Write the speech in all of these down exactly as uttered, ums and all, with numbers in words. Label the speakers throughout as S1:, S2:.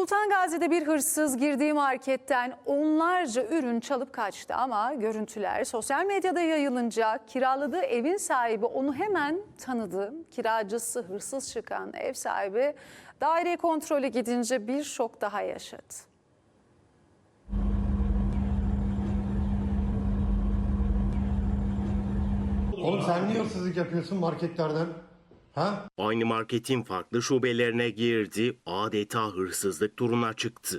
S1: Sultan Gazi'de bir hırsız girdiği marketten onlarca ürün çalıp kaçtı ama görüntüler sosyal medyada yayılınca kiraladığı evin sahibi onu hemen tanıdı. Kiracısı hırsız çıkan ev sahibi daire kontrolü gidince bir şok daha yaşadı.
S2: Oğlum sen niye hırsızlık yapıyorsun marketlerden? Ha?
S3: Aynı marketin farklı şubelerine girdi, adeta hırsızlık turuna çıktı.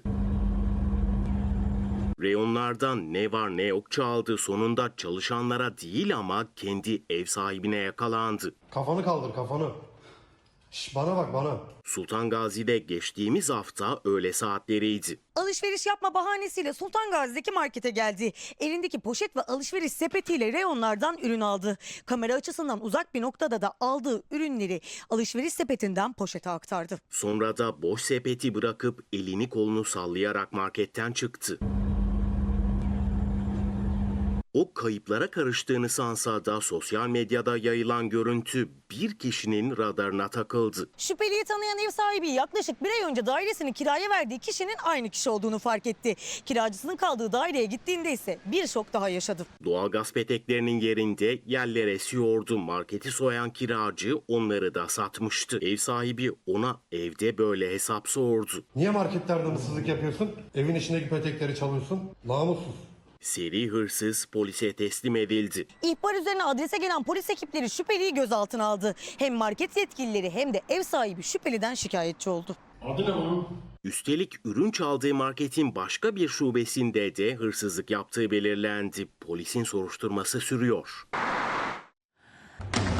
S3: Reyonlardan ne var ne yok çaldı, sonunda çalışanlara değil ama kendi ev sahibine yakalandı.
S2: Kafanı kaldır kafanı. Şş, bana bak bana.
S3: Sultan Gazi'de geçtiğimiz hafta öğle saatleriydi.
S4: Alışveriş yapma bahanesiyle Sultan Gazi'deki markete geldi. Elindeki poşet ve alışveriş sepetiyle reyonlardan ürün aldı. Kamera açısından uzak bir noktada da aldığı ürünleri alışveriş sepetinden poşete aktardı.
S3: Sonra da boş sepeti bırakıp elini kolunu sallayarak marketten çıktı. O kayıplara karıştığını sansa da sosyal medyada yayılan görüntü bir kişinin radarına takıldı.
S4: Şüpheliyi tanıyan ev sahibi yaklaşık bir ay önce dairesini kiraya verdiği kişinin aynı kişi olduğunu fark etti. Kiracısının kaldığı daireye gittiğinde ise bir şok daha yaşadı.
S3: Doğalgaz peteklerinin yerinde yerler esiyordu. Marketi soyan kiracı onları da satmıştı. Ev sahibi ona evde böyle hesap sordu.
S2: Niye marketlerden hırsızlık yapıyorsun? Evin içindeki petekleri çalıyorsun. Namussuz.
S3: Seri hırsız polise teslim edildi.
S4: İhbar üzerine adrese gelen polis ekipleri şüpheliyi gözaltına aldı. Hem market yetkilileri hem de ev sahibi şüpheliden şikayetçi oldu.
S2: Adı ne bunun?
S3: Üstelik ürün çaldığı marketin başka bir şubesinde de hırsızlık yaptığı belirlendi. Polisin soruşturması sürüyor.